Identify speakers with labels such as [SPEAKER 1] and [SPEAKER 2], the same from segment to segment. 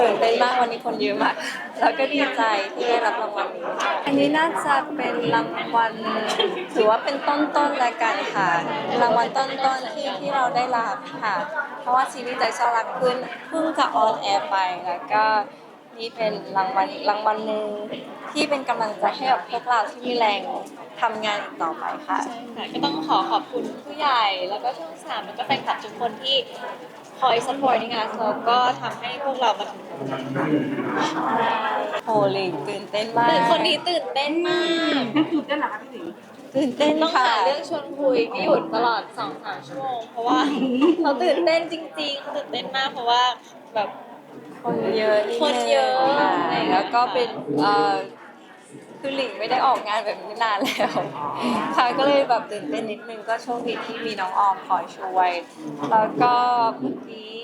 [SPEAKER 1] ตื่นเต้นมากวันนี้คนเยอะมากแล้วก็ดีใจที่ได้รับรางวัลนี้อันนี้น่าจะเป็นรางวัลถือว่าเป็นต้นๆแล้วกันค่ะรางวัลต้นๆที่เราได้รับค่ะเพราะว่าซีรีส์ใจซ่อนรักขึ้นเพิ่งจะออนแอร์ไปแล้วก็นี่เป็นรางวัลอีกรางวัลหนึ่งที่เป็นกำลังใจให้กับพวกเราที่มีแรงทำงานอีกต่อไปค่ะ
[SPEAKER 2] ใช่ค่ะก็ต้องขอบคุณผู้ใหญ่แล้วก็ช่อง3แล้วก็แฟนคลับทุกคนที่คอยซัพพอร์ตในงานแล้วก็ทำให้พวกเรามาถึงตรงนี้
[SPEAKER 1] โหลิงตื่นเต้นมาก
[SPEAKER 2] คนนี้ตื่นเต้นมาก
[SPEAKER 3] ตื่นเต้นเหรอคะพี่หนิง
[SPEAKER 1] ตื่นเต้น
[SPEAKER 2] ต้อง
[SPEAKER 1] ค่ะ
[SPEAKER 2] หาเรื่องชวนคุยไม่หยุดตลอด 2-3 ชั่วโมงเพราะว่าเขาตื่นเต้นจริงๆเขาตื่นเต้นมากเพราะว่าแบบ
[SPEAKER 1] คนเยอะนิดนึง
[SPEAKER 2] คนเยอะ
[SPEAKER 1] ค่ะแล้วก็เป็นคือหลิงไม่ได้ออกงานแบบนี้นานแล้วค่ะก็เลยแบบตื่นเต้นนิดนึงก็โชคดีที่มีน้องออมคอยช่วยแล้วก็เมื่อกี้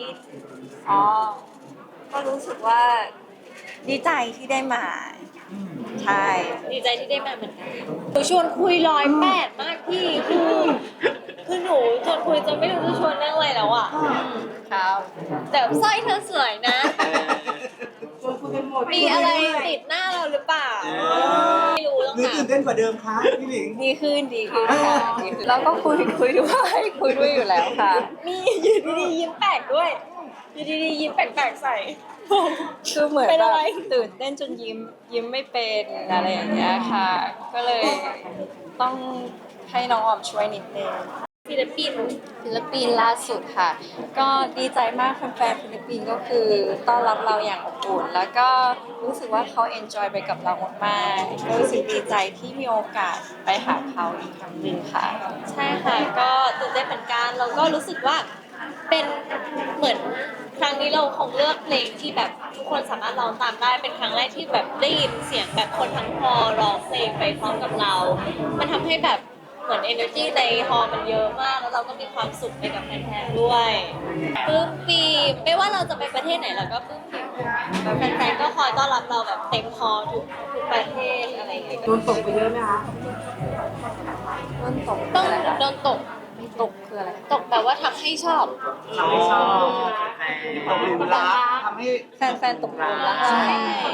[SPEAKER 1] ก็รู้สึกว่าดีใจที่ได้มาใช่
[SPEAKER 2] ดีใจที่ได้มาเหมือนกันหนูชวนคุย108มากพี่คือหนูชวนคุยจนไม่รู้จะชวนเรื่องอะไรแล้วอ่ะ
[SPEAKER 1] ครับ
[SPEAKER 2] แต่สร้อยเธอสวยนะ
[SPEAKER 3] ชวนคุยกันหมด
[SPEAKER 2] มีอะไรติดหน้าเราหรือเปล่าไม่รู้ต้อง
[SPEAKER 4] หรือ
[SPEAKER 2] ถาม
[SPEAKER 4] ตื่นเต้นกว่าเดิมคะพี่หลิง
[SPEAKER 1] ดีขึ้นค่ะดีขึ้นแล้วก็คุยด้วยคุยด้วยอยู่แล้วค่ะ
[SPEAKER 2] มีอยู่ดีๆยิ้มแปลกด้วยอยู่ดีๆยิ้มแปลกๆใส่
[SPEAKER 1] คือเหมือน
[SPEAKER 2] เป็น
[SPEAKER 1] แบ
[SPEAKER 2] อะ
[SPEAKER 1] บ
[SPEAKER 2] ไร
[SPEAKER 1] ตื่นเต้นจนยิ้มไม่เป็นอะไรอย่างเงี้ยค่ะ ก็เลยต้องให้น้องออมช่วยนิดนึง
[SPEAKER 2] ฟิลิปปินส์
[SPEAKER 1] ฟิลิปปินส์ล่าสุดค่ะ ก็ดีใจมากแฟนๆฟิลิปปินส์ก็คือต้อนรับเราอย่างอบอุ่นแล้วก็รู้สึกว่าเขาเอนจอยไปกับเรามากๆก็รู้สึกดีใจที่มีโอกาสไปหาเขาอีกครั้งหนึ่งค่ะ
[SPEAKER 2] ใช่ค่ะก็ตื่นเต้นเหมือนกันแล้วก็รู้สึกว่าเป็นเหมือนครั้งนี้เราคงเลือกเพลงที่แบบทุกคนสามารถร้องตามได้เป็นครั้งแรกที่แบบได้ยินเสียงแบบคนทั้งฮอลล์ร้องเพลงไปพร้อมกับเรา มันทำให้แบบเหมือน energy ในฮอลล์มันเยอะมากแล้วเราก็มีความสุขไปกับแฟนๆด้วยปลื้มปีไม่ว่าเราจะไปประเทศไหนเราก็ปลื้มปีแบบแฟนๆก็คอยต้อนรับเราแบบเต็มฮอลล์ทุกประเทศอะไรอย่างเงี้ย
[SPEAKER 3] โดนตกไปเยอะไหมคะ
[SPEAKER 1] ต้นตก
[SPEAKER 2] ต้อง
[SPEAKER 1] อะไรคะ
[SPEAKER 2] โดนตก
[SPEAKER 1] ตกคืออะไร
[SPEAKER 2] ตกแบบว่าทำให้ชอบ
[SPEAKER 4] ทำให้ชอบตกหลุมรักทำให้
[SPEAKER 1] แฟนๆตกหลุมรักใช่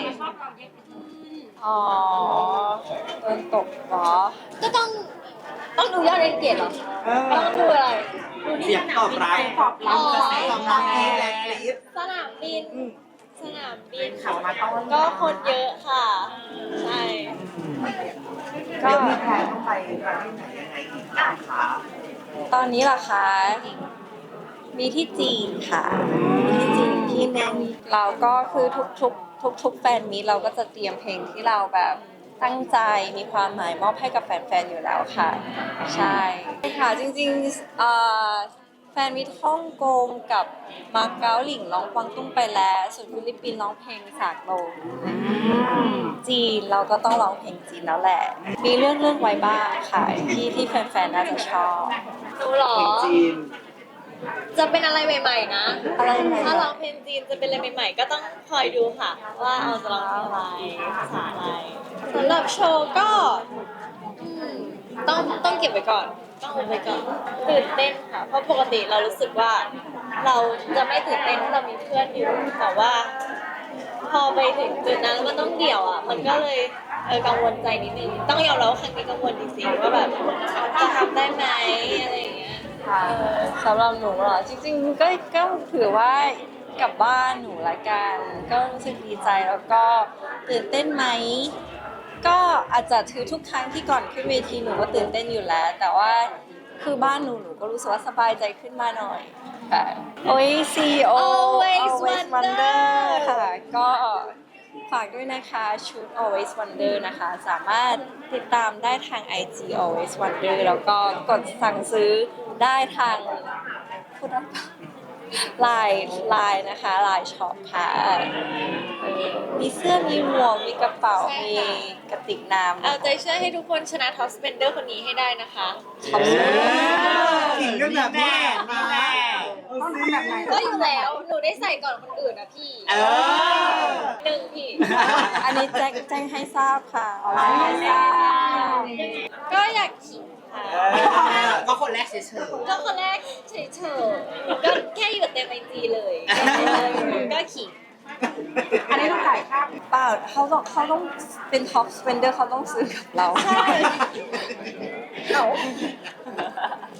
[SPEAKER 1] อ๋อโดนตกเหรอ
[SPEAKER 2] ก็ต้องดูยอดเรนเกตเหรอ ต้องดูอะไร ดูที่
[SPEAKER 4] เสียงตอบรับ
[SPEAKER 3] ตอบรับ
[SPEAKER 4] กระแสตอบรับที่แรงกรี๊ด
[SPEAKER 2] สนามบิน สนามบิน
[SPEAKER 3] ขับมาต้อน
[SPEAKER 2] ก็คนเยอะค่ะ ใช่
[SPEAKER 1] ก็
[SPEAKER 4] เดี๋ยวมีแพลนต้องไปประเทศไหนยังไงอีกบ้างคะ
[SPEAKER 1] ตอนนี้ล่ะคะ มีที่จีนค่ะ มีที่จีนอีกที่หนึงเราก็คือทุกแฟนมีตเราก็จะเตรียมเพลงที่เราแบบตั้งใจมีความหมายมอบให้กับแฟนๆอยู่แล้วค่ะ ใช่ค่ะจริงๆแฟนมิตรฮ่องกงกับมาเก๊าหลิงร้องกวางตุ้งไปแล้วส่วนฟิลิปปินส์ร้องเพลงสากลจีนเราก็ต้องร้องเพลงจีนแล้วแหละ มีเรื่องไว้บ้างค่ะที่แฟนๆน่าจะชอบ
[SPEAKER 2] ดูเหรอ
[SPEAKER 4] เพลงจีน
[SPEAKER 2] จะเป็นอะไรใหม่ๆนะ
[SPEAKER 1] อะไรใหม่ๆ
[SPEAKER 2] ถ้าร้องเพลงจีนจะเป็นอะไรใหม่ๆ ก็ต้องคอยดูค่ะ ว่าเอาจะร้องเพลงอะไรภาษาอะไรสำหรับโชว์ก็อืมต้องเก็บไว้ก่อน ต้องเอาไว้ก่อนตื่นเต้นค่ะ เพราะปกติเรารู้สึกว่า เราจะไม่ตื่นเต้นถ้าเรามีเพื่อนอยู่ แต่ว่า พอไปถึงจุดนั้นมันต้องเดี่ยวอ่ะ มันก็เลยกังวลใจนิดนึง ต้องยอมรับว่าครั้งนี้กังวลจริงๆว่าแบบจะทำได้ไหมอะไรอย่างเงี้ย
[SPEAKER 1] ค่ะสำหรับหนูเหรอจริงๆก็ถือว่ากลับบ้านหนูละกันก็รู้สึกดีใจแล้วก็ตื่นเต้นไหมก็อาจจะถือทุกครั้งที่ก่อนขึ้นเวทีหนูก็ตื่นเต้นอยู่แล้ว แต่ว่าคือบ้านหนูก็รู้สึกว่าสบายใจขึ้นมาหน่อยค่ะ OACO
[SPEAKER 2] Always
[SPEAKER 1] Wonder
[SPEAKER 2] Wonder
[SPEAKER 1] ค่ะก็ฝากด้วยนะคะชุด Always Wonder นะคะ สามารถติดตามได้ทาง IG Always Wonder แล้วก็กดสั่งซื้อได้ทางพูดได้ปะไลน์นะคะไลน์ช็อปค่ะมีเสื้อมีหมวกมีกระเป๋า
[SPEAKER 2] ใช่
[SPEAKER 1] มี
[SPEAKER 2] ค่ะ
[SPEAKER 1] กระติกน้ำ
[SPEAKER 2] เอาใจช่วยให้ทุกคนชนะท็อปสเปนเดอร์คนนี้ให้ได้นะคะ
[SPEAKER 1] ขอบคุณ
[SPEAKER 4] ขิงกันแบบนี้แหละมาแล้ว
[SPEAKER 3] ต้องทำแบบไหน
[SPEAKER 2] ก็อยู่แล้ว หนูได้ใส่ก่อนคนอื่นนะพี่
[SPEAKER 4] เออ
[SPEAKER 2] หนึ่งพี่
[SPEAKER 1] อันนี้แจ้งให้ทราบค่ะเอาแจ้งให้ทราบ
[SPEAKER 2] ก็อยากขิงค่ะ
[SPEAKER 4] ก็คนแรกเฉย
[SPEAKER 2] ก็คนแรกเฉยๆก็แค่อยู่เต็มไอจีเลย ก็ขิง
[SPEAKER 4] ๆ
[SPEAKER 3] อันนี้ต้องจ่ายค่า
[SPEAKER 1] เปล่าเขาต้องเป็นท็อปสเปนเดอร์เขาต้องซื้อกับเรา
[SPEAKER 2] ใช่